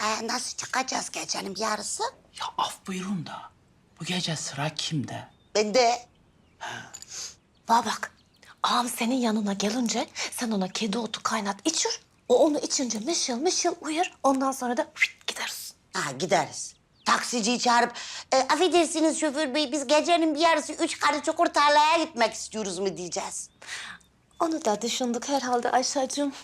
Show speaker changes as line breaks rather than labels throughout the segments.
Nasıl çıkacağız gecenin yarısı?
Ya af buyurun da bu gece sıra kimde?
Ben de.
Bana bak, ağam senin yanına gelince sen ona kedi otu kaynat içir. O onu içince mışıl mışıl uyur. Ondan sonra da gideriz.
Gideriz. Taksiciyi çağırıp, affedersiniz şoför bey, biz gecenin bir yarısı 3 karı çukur tarlaya gitmek istiyoruz mu diyeceğiz.
Onu da düşündük herhalde Ayşe'cığım.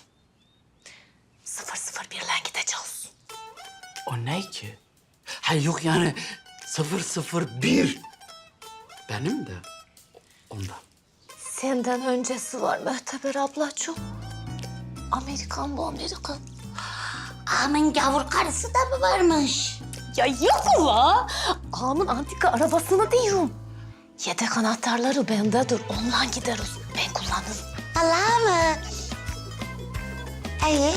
001'le gideceğiz.
O ne ki? Ha yok yani 001. Benim de ondan.
Senden öncesi var Möhteber ablacığım. Amerikan bu Amerikan.
Ağamın gavur karısı da mı varmış?
Ya yok ula. Ağamın antika arabasını diyorum. Yedek anahtarları bendedir. Ondan gideriz. Ben kullanırım.
Allah mı? İyi.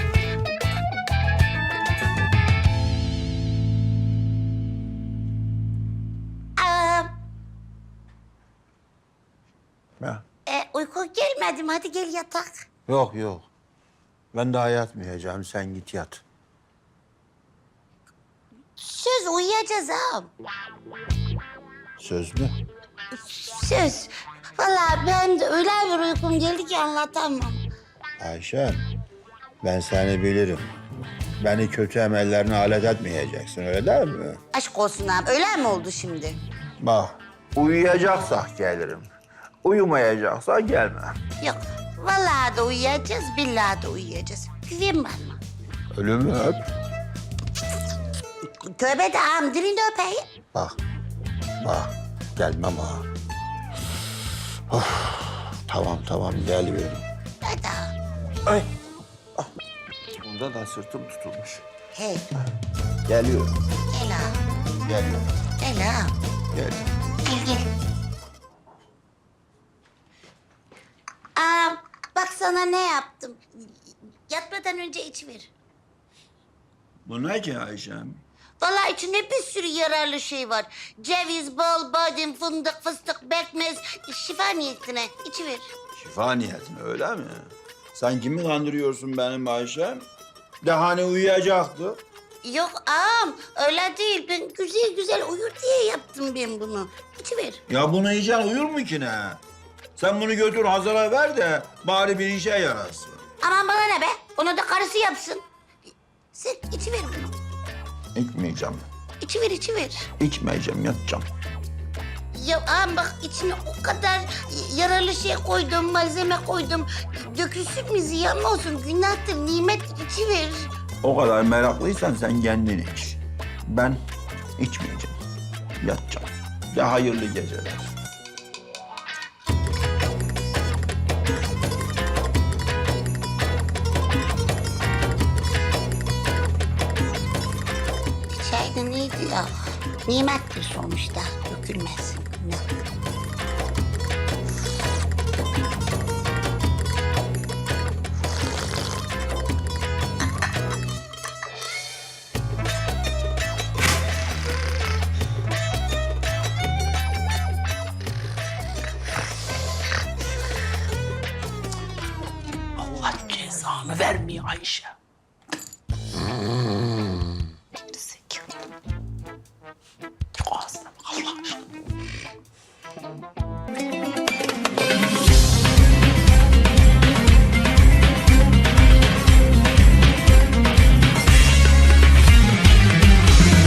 Ağam,
Ya.
uyku gelmedi mi? Hadi gel yatak.
Yok yok. Ben daha yatmayacağım. Sen git yat.
Söz uyuyacağız ağam.
Söz mü?
Söz. Vallahi ben de öyle bir uykum geldi ki anlatamam.
Ayşen, ben seni bilirim. Beni kötü emellerine alet etmeyeceksin, öyle değil mi?
Aşk olsun ağam. Öyle mi oldu şimdi?
Bak, uyuyacaksak gelirim. Uyumayacaksak gelmem.
Yok. Vallahi da uyuyacağız, billahi de uyuyacağız. Güven bana.
Ölümü öp.
Tövbe de ağam, dilini öpeyim.
Bak, bak. Gelmem ha. Of, tamam geliyorum.
Hadi ağam.
Ay. Ah. Bunda da sırtım tutulmuş.
Hey,
Geliyorum,
gel ağam.
geliyorum,
Gel ağam.
geliyorum.
Gel. Ağam, bak sana ne yaptım. Yatmadan önce içiver.
Bu ne ki Ayşem?
Vallahi içinde bir sürü yararlı şey var. Ceviz, bal, badem, fındık, fıstık, bekmez. Şifa niyetine içiver.
Şifa niyetine öyle mi? Sen kimi kandırıyorsun benim Ayşem? De hani uyuyacaktı.
Yok ağam, öyle değil. Ben güzel güzel uyur diye yaptım ben bunu. İçiver.
Ya bunu yiyeceksin uyur mu ki ne? Sen bunu götür Hazar'a ver de bari bir işe yarasın.
Aman bana ne be? Onu da karısı yapsın. Sen içiver bunu.
İçmeyeceğim.
İçiver.
İçmeyeceğim, yatacağım.
Ya ağam bak içine o kadar yararlı şey koydum, malzeme koydum. Dökülsün mü ziyan mı olsun? Günahtır, nimet içiver.
O kadar meraklıysan sen kendin iç. Ben içmeyeceğim. Yatacağım. De hayırlı geceler.
Çayda neydi ya? Nimettir sonuçta. Dökülmesin. Günah.
Allah cezanı vermiyor Ayşe.